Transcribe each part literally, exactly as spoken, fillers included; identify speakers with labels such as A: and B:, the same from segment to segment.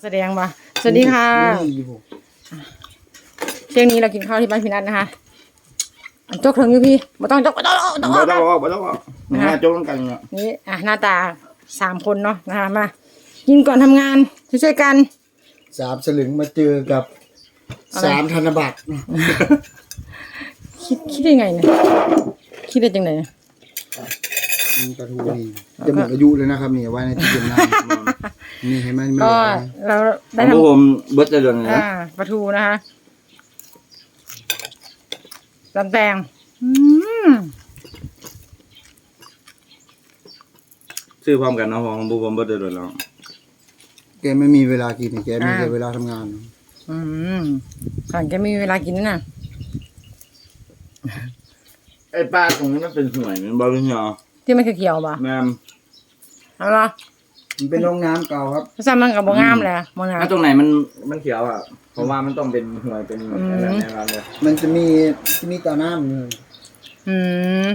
A: แสดงว่าสวัสดีค่ะเที่ยงนี้เรากินข้าวที่บ้านพี่นัทนะคะจกถึงอยู่พี่ไม่ต้องจกไม่ต้องไม่ต้อง
B: ไม่ต้องไม่ต้องนะจกต้องกันเนี่ย
A: นี่อ่ะหน้าตาสามคนเนาะนะคะมากินก่อนทำงานช่วยกัน
C: สามสลึงมาเจอกับสามธนบัตร
A: คิดคิดได้ไงเนี่ยคิดได้จังไหน
C: กระทูนี่จะหมดอายุเลยนะครับนี่ไว้ในที่เก็บน้ำนี่เห็นไหม
A: ก็เราได้
B: ทำผมเบิร์ตเดือนนะ
A: ปลาทูนะคะลำแตง
B: ซื้อพร้อมกันนะของบุบเบิร์ตเดือนแล้ว
C: แกไม่มีเวลากินแกมีแต่เวลาทำงาน
A: อืมสั่งแกไม่มีเวลากินนะ
B: ไอ้ปลาตรงนี้มันเป็นสวยมันบอลลูนเหรอ
A: ที่มันเขียวๆป่ะ
B: แม่
A: เอาละ
C: มันเป็นโรงน้ำเก่าครับ
A: ซ้ำมันกับโบงามเลยโบงาม
B: ตรงไหนมันมันเขียวอ่ะเพราะว่ามันต้องเป็นหวยเป็นอะไรในร้านเลย
C: มันจะมีจะมีตาน้ำเลย
A: อืม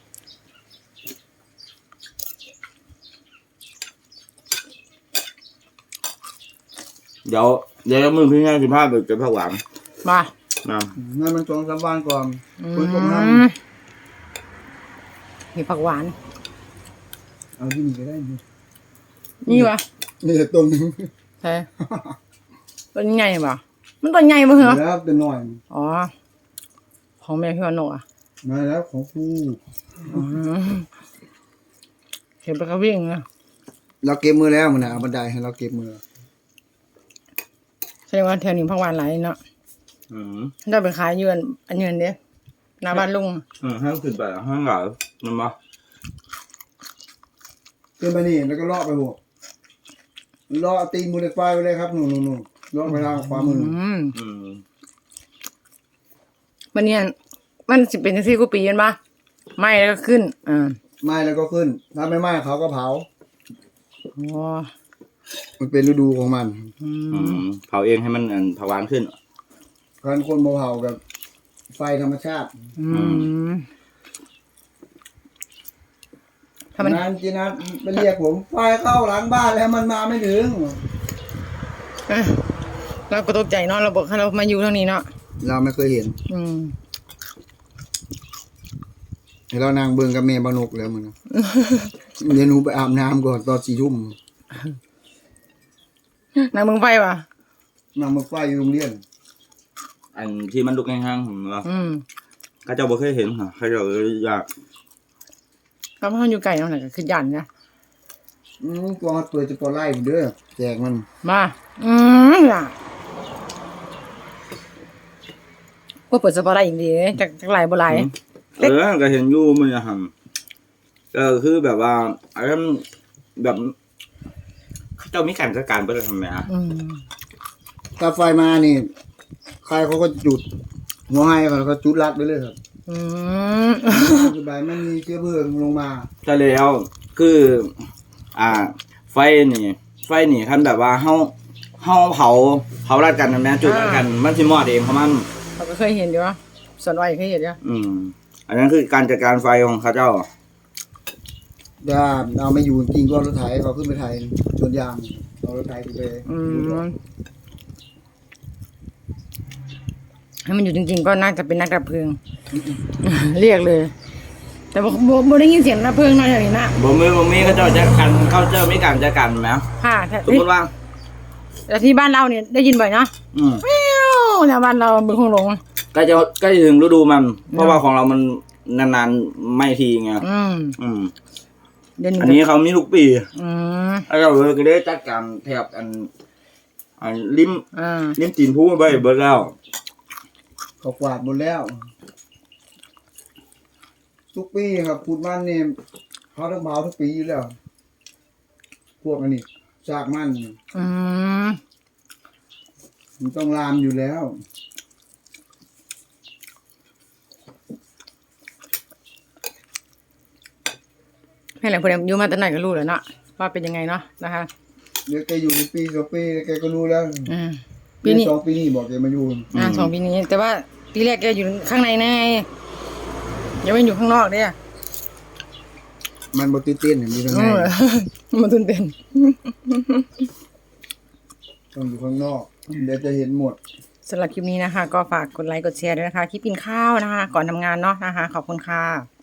B: เดี๋ยวเดี๋ยวมือพี่ง่ายสิบห้าเบิกจะผักหวาน
A: มา
B: น้
C: ำนั่นมันสองสามวันก่อนคุณก็ท
A: ำมีผักหวาน
C: เอาที่นี่ก็ได้
A: นี่วะ
C: นี่ต้นนึง
A: ใช่ต้นใหญ่ป่ะมันต้นใหญ่ป่ะเหรอ
C: แล้วเป็นหน่อย
A: อ๋อของแม่พี่วันโนอ่ะ
C: มาแล้วของผู้
A: เห็นปลากระวิ่งนะ
C: เราเก็บมือแล้วมันนะเอาบันไดให้เราเก็บมือ
A: ใช่ว่าแถวนี้ผักหวานหลายเนาะ
B: อืม
A: ได้ไปขายยืนอันยืนเนี้ยหน้าบ้านลุง
B: อืมห้างขึ้นไปห้างเหล่ามันมา
C: ขึ้นไปนี่แล้วก็เลาะไปหัวเลาะตีมือเล็กไฟไปเลยครับหนูหนูหนูเลาะไปทางขวามือ
B: อืม
A: มันเนี่ยมันสิเป็นที่กูปีกันปะไหม้แล้วก็ขึ้นอ่า
C: ไหม้แล้วก็ขึ้นถ้าไม่ไหม้เขาก็เผา
A: อ๋อ
C: มันเป็นฤดูของมัน
B: อืมเผาเองให้มันเผาหวานขึ้น
C: การคนเผากับไฟธรรมชาติ
A: อืม
C: ทำไมนั้นจีนัทไปเรียกผมไฟเข้าหลังบ้านแล้วมันมาไม่ถึง
A: เราก็ตกใจเนาะเราบอกให้เรามาอยู่ทางนี้เนาะ
C: เราไม่เคยเห็น
A: อืม
C: เรานางเบิ่งกับเมย์บานุกแล้วมึงเดี๋ยวหนูไปอาบน้ำก่อนตอนสี่ทุ่ม
A: นางเมืองไฟป่ะ
C: นางเมืองไฟอยู่โรงเรียน
B: อันที่มันลุกแห้งๆเหรอข้าเจ้าบ่เคยเห็นเหรอข้าเจ้าอยาก
A: ก็มันอยู่ไกลเนาะไหนก็คือยันนะ
C: อืมตัวตัวจะปลาไหลเด้อแจกมัน
A: มาอืมล่ะก็เปิดสปอร์ตได้อีกดีจากจากไหลบ่ไหล
B: เออก็เห็นอยู่มันจะทำก็คือแบบว่าไอ้แบบเขาเจ้ามีการจัดการเพื่อทำไมอ่ะ
C: ถ้าไฟมานี่ใครเขาก็จุดหัวให้เขาก็จุดรัดไปเลยครับ
A: อืม
C: สบายไม่มีเชื้อเพลิงลงมา
B: ใช่แล้วคืออ่าไฟนี่ไฟนี่คันแบบว่าเฮาเฮาเผาเผารัดกันนะแม่จุดรัดกันมันสิมอดเองเพราะมัน
A: เขาก็เคยเห็นอยู่ว่าส่วนอ้อยเคยเห็นอยู่
B: อืมอันนั้นคือการจัดการไฟของข้าเจ้า
C: ถ้าเอาไม่อยู่จริงก็รถไถเขาขึ้นไปไถสวนยางเอารถไถไป
A: อืมให้มันอยู่จริงๆก็น่าจะเป็นนักดับเพลิงเรียกเลยแต่บ่บ่ได้ยินเสียงดับเพลิงเนาะอย่างนี้นะ
B: บ่มีบ่มีเขาเจ้าจะกันเขาเจ้ามีการจัดการมั้ย
A: ค่ะ
B: สมมุติว่า
A: แต่ที่บ้านเราเนี่ยได้ยินบ่อยเนาะ
B: อืม
A: แล้วบ้านเราเป็นคงหลง
B: ใกล้จะใกล้ถึงฤดูมันเพราะว่าของเรามันนานๆไม่ทีไง
A: อืม
B: อืมอันนี้เขามีทุกปี
A: อืม
B: แล้วเราเลยก็ได้จัดการแถบอันอันริม
A: อ่า
B: ริมตีนผู้ไปเบิดแล้ว
C: เขากวาดหมดแล้วทุกปีครับพูดมันเนี่ยเขาต้องเผาทุกปีอยู่แล้วพวกอันนี้จากมัน
A: อืม
C: มันต้องลามอยู่แล้ว
A: ให้หลังพอดีอยู่มาตั้งไหนก็รู้แล้วเนาะว่าเป็นยังไงเนาะนะคะ
C: เดี๋ยวแกอยู่ปีสองปีแกก็รู้แล้ว
A: อืม
C: ปีนี้สองปีนี้บอกแกมาอยู่
A: อ่าสองปีนี้แต่ว่าปีแรกแกอยู่ข้างในไงยังไม่อยู่ข้างนอกเนี่ย
C: มันบ่ตื่นเต้นมีทางไหน
A: มันตื่นเต้น
C: ต้องอยู่ข้างนอก เดี๋ยวจะเห็นหมด
A: สำหรับคลิปนี้นะคะ ก็ฝากกดไลค์กดแชร์ด้วยนะคะคลิปกินข้าวนะคะ ก่อนทำงานเนาะนะคะ ขอบคุณค่ะ